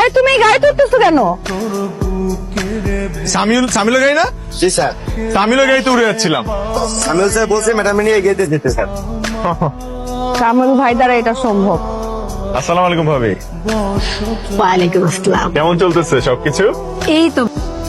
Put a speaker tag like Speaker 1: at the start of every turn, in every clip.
Speaker 1: তুমি এই গাড়িতে উঠতেছো কেন?
Speaker 2: সামিলের গাড়ি না?
Speaker 3: জি স্যার।
Speaker 2: সামিলের গাড়িতে উড়ে যাচ্ছিলাম।
Speaker 3: সামিল স্যার বলছে ম্যাডাম নিয়ে এগিয়ে যেতে স্যার।
Speaker 1: কামরুল ভাই দ্বারা এটা সম্ভব।
Speaker 2: আসসালামু আলাইকুম ভাবি।
Speaker 1: ওয়ালাইকুম আসসালাম।
Speaker 2: কেমন চলতেছে সবকিছু?
Speaker 1: এই তো।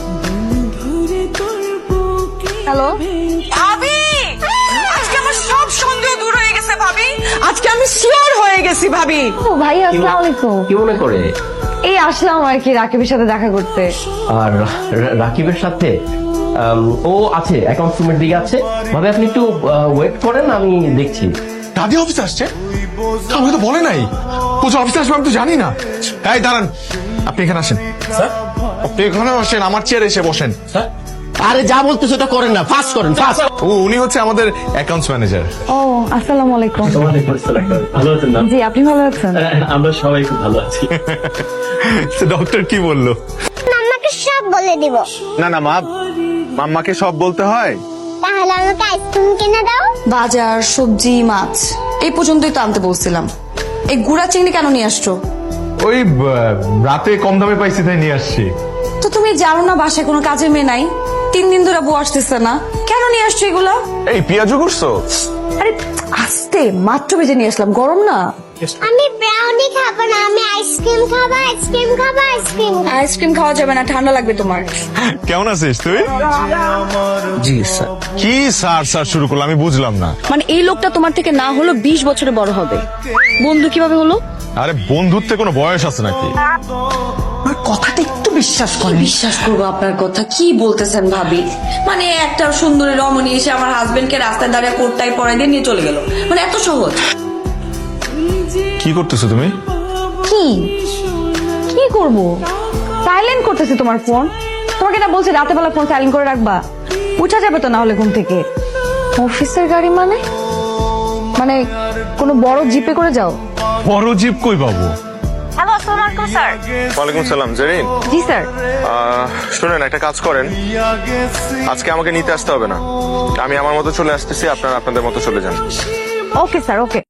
Speaker 1: হ্যালো
Speaker 4: ভাবি, আজকে আমার সব সন্দেহ দূর হয়ে গেছে ভাবি। আজকে আমি শিওর হয়ে গেছি ভাবি।
Speaker 1: ও ভাই, আসসালামু আলাইকুম।
Speaker 5: কি মনে করে?
Speaker 1: এই আসলাম আর কি রাকিবের সাথে দেখা করতে।
Speaker 5: আর রাকিবের সাথে ও আছে অ্যাকাউন্টস রুমের দিকে আছে। ভাবে আপনি একটু ওয়েট করেন, আমি দেখছি।
Speaker 2: দাদি অফিসে আসছে? আমাকে তো বলে নাই। ও যে অফিসে আসবে আমি তো জানি না। এই দাঁড়ান, আপনি এখানে আসেন।
Speaker 5: স্যার,
Speaker 2: আপনি এখানে বসেন, আমার চেয়ারে এসে বসেন।
Speaker 5: স্যার, আরে যা বলতেছো ওটা করেন না, ফাস্ট করেন, ফাস্ট।
Speaker 2: উনি হচ্ছে আমাদের অ্যাকাউন্টস ম্যানেজার।
Speaker 1: ও আসসালামু আলাইকুম।
Speaker 5: ভালো আছেন না?
Speaker 1: জি, আপনি ভালো আছেন?
Speaker 5: আমরা সবাই খুব ভালো আছি।
Speaker 2: ডক্টর কি বললো?
Speaker 6: মাম্মাকে সব বলে দিব।
Speaker 2: না না মা, মাম্মাকে সব বলতে হয়?
Speaker 6: তাহলে আমাকে আইসক্রিম কিনে দাও।
Speaker 4: বাজার, সবজি, মাছ এই পর্যন্তই তো আনতে বলছিলাম। এই গুড়া চিংড়ি কেন নিয়ে আসছো?
Speaker 2: ওই রাতে কম দামে পাইছি তাই নিয়ে আসছি।
Speaker 4: তো তুমি জানো না বাসায় কোনো কাজের মেয়ে নাই? 3 দিন ধরে বউ আসতেছে না, কেন নিয়ে আসছো এগুলা?
Speaker 2: এই পেঁয়াজু করছো?
Speaker 4: আরে আস্তে, মাত্র ভেজে নিয়ে আসলাম, গরম না।
Speaker 6: আমি ব্রাউনি খাবো না, আমি আইসক্রিম খাবো, আইসক্রিম খাবো, আইসক্রিম খাবো।
Speaker 4: আইসক্রিম খাওয়া যাবে না, ঠান্ডা লাগবে তোমার।
Speaker 2: কেমন আছিস তুই?
Speaker 5: জি স্যার।
Speaker 2: কি স্যার স্যার শুরু করলো আমি বুঝলাম না।
Speaker 4: মানে এই লোকটা তোমার থেকে না হলো 20 বছরে বড় হবে, বন্ধু কিভাবে হলো?
Speaker 2: আরে বন্ধুত্বে কোনো বয়স আছে নাকি?
Speaker 4: কথাটা একটু বিশ্বাস করে। বিশ্বাস করবো আপনার কথা? কি বলতেছেন ভাবি? মানে একটা সুন্দরী রমণী এসে আমার হাজবেন্ডকে রাস্তায় দাঁড়িয়ে কোটটাই পরাই দিয়ে নিয়ে চলে গেল, মানে এত সহজ?
Speaker 2: কি করতেছো তুমি?
Speaker 1: কি কি করব? সাইলেন্ট করতেছি তোমার ফোন। তোমাকে না বলছি রাতে বেলা ফোন সাইলেন্ট করে রাখবা। উঠা যাবে তো না হলে ঘুম থেকে। অফিসের গাড়ি মানে মানে কোনো বড় জিপে করে যাও?
Speaker 2: বড় জিপ কই পাবো?
Speaker 1: হ্যালো, আসসালামু আলাইকুম স্যার।
Speaker 2: ওয়ালাইকুম সালাম জেরিন।
Speaker 1: জি স্যার।
Speaker 2: শুনেন, একটা কাজ করেন, আজকে আমাকে নিতে আসতে হবে না, আমি আমার মতো চলে আসতেছি, আপনারা আপনাদের মতো চলে যান।
Speaker 1: ওকে স্যার, ওকে।